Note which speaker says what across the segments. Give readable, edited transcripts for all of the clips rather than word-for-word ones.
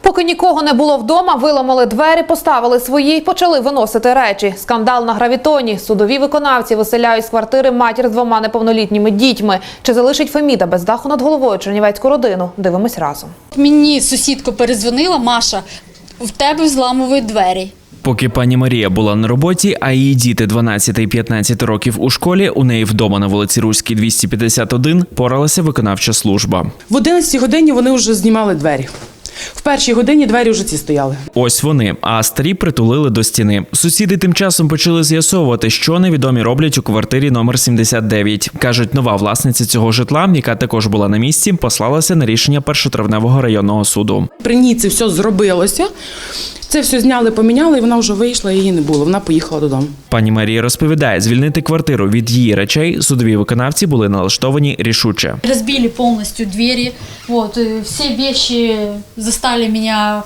Speaker 1: Поки нікого не було вдома, виламали двері, поставили свої й почали виносити речі. Скандал на Гравітоні. Судові виконавці виселяють з квартири матір з 2 неповнолітніми дітьми. Чи залишить Феміда без даху над головою чернівецьку родину? Дивимось разом.
Speaker 2: Мені сусідка перезвонила: Маша, в тебе зламують двері.
Speaker 3: Поки пані Марія була на роботі, а її діти 12 і 15 років у школі, у неї вдома на вулиці Руській, 251, поралася виконавча служба.
Speaker 4: В 11 годині вони вже знімали двері. В 1 годині двері вже ці стояли.
Speaker 3: Ось вони, а старі притулили до стіни. Сусіди тим часом почали з'ясовувати, що невідомі роблять у квартирі номер 79. Кажуть, нова власниця цього житла, яка також була на місці, послалася на рішення Першотравневого районного суду.
Speaker 4: При ній це все зробилося. Це все зняли, поміняли, і вона вже вийшла, її не було. Вона поїхала додому.
Speaker 3: Пані Марія розповідає, звільнити квартиру від її речей судові виконавці були налаштовані рішуче.
Speaker 2: Розбили повністю двері, всі речі заставили мене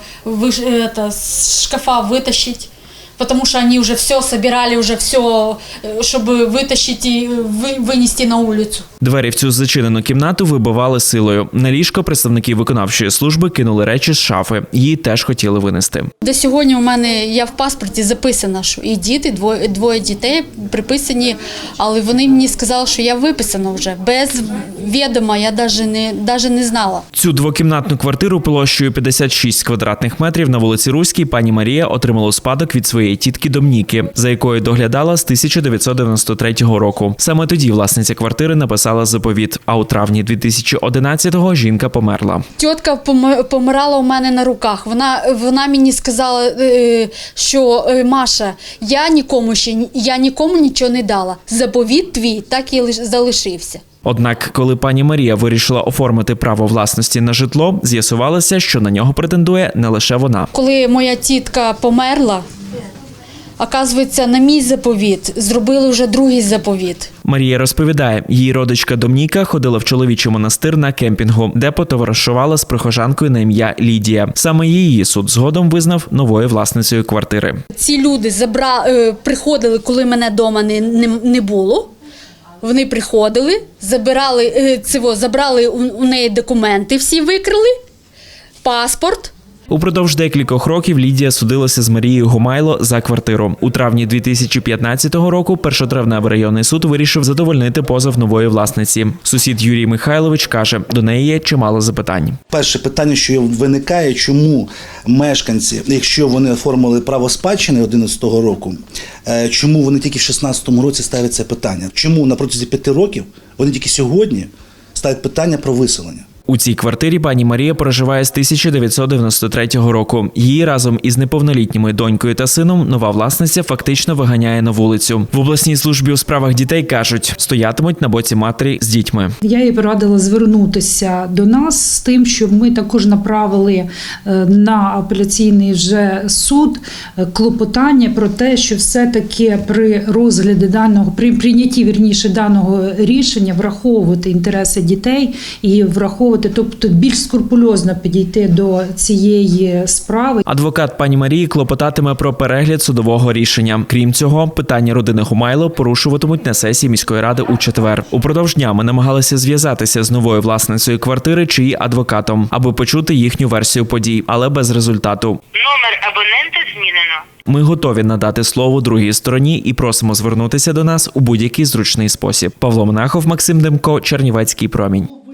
Speaker 2: з шкафа витащити. Потому что они уже все собирали, уже все, чтобы вытащить и вынести на улицу.
Speaker 3: Двері в цю зачинену кімнату вибивали силою. На ліжко представники виконавчої служби кинули речі з шафи. Її теж хотіли винести.
Speaker 2: До сьогодні у мене, я в паспорті записана, що і діти, двоє дітей приписані, але вони мені сказали, що я виписана вже. Без відома я навіть не знала.
Speaker 3: Цю двокімнатну квартиру площею 56 квадратних метрів на вулиці Руській пані Марія отримала у спадок від своєї тітки Домніки, за якою доглядала з 1993 року. Саме тоді власниця квартири написала заповіт, а у травні 2011-го жінка померла.
Speaker 2: Тітка помирала у мене на руках. Вона мені сказала, що Маша, я нікому нічого не дала. Заповіт твій так і залишився.
Speaker 3: Однак, коли пані Марія вирішила оформити право власності на житло, з'ясувалося, що на нього претендує не лише вона.
Speaker 2: Коли моя тітка померла, оказується, на мій заповіт зробили вже другий заповіт.
Speaker 3: Марія розповідає, її родичка Домніка ходила в чоловічий монастир на кемпінгу, де потоваришувала з прихожанкою на ім'я Лідія. Саме її суд згодом визнав новою власницею квартири.
Speaker 2: Ці люди приходили, коли мене вдома не було. Вони приходили, забрали у неї документи, всі викрили, паспорт.
Speaker 3: Упродовж декількох років Лідія судилася з Марією Гумайло за квартиру. У травні 2015 року Першотравневий районний суд вирішив задовольнити позов нової власниці. Сусід Юрій Михайлович каже, до неї є чимало запитань.
Speaker 5: Перше питання, що виникає, чому мешканці, якщо вони оформили право спадщини 2011 року, чому вони тільки в 2016 році ставлять це питання? Чому на протязі 5 років вони тільки сьогодні ставлять питання про виселення?
Speaker 3: У цій квартирі пані Марія проживає з 1993 року. Її разом із неповнолітніми донькою та сином нова власниця фактично виганяє на вулицю. В обласній службі у справах дітей кажуть, стоятимуть на боці матері з дітьми.
Speaker 6: Я їй порадила звернутися до нас з тим, щоб ми також направили на апеляційний вже суд клопотання про те, що все-таки при розгляді при прийнятті даного рішення враховувати інтереси дітей і враховувати, тобто більш скрупульозно підійти до цієї справи.
Speaker 3: Адвокат пані Марії клопотатиме про перегляд судового рішення. Крім цього, питання родини Гумайло порушуватимуть на сесії міської ради у четвер. Упродовж дня ми намагалися зв'язатися з новою власницею квартири чи її адвокатом, аби почути їхню версію подій, але без результату.
Speaker 7: Номер абонента змінено.
Speaker 3: Ми готові надати слово другій стороні і просимо звернутися до нас у будь-який зручний спосіб. Павло Монахов, Максим Демко, Чернівецький промінь.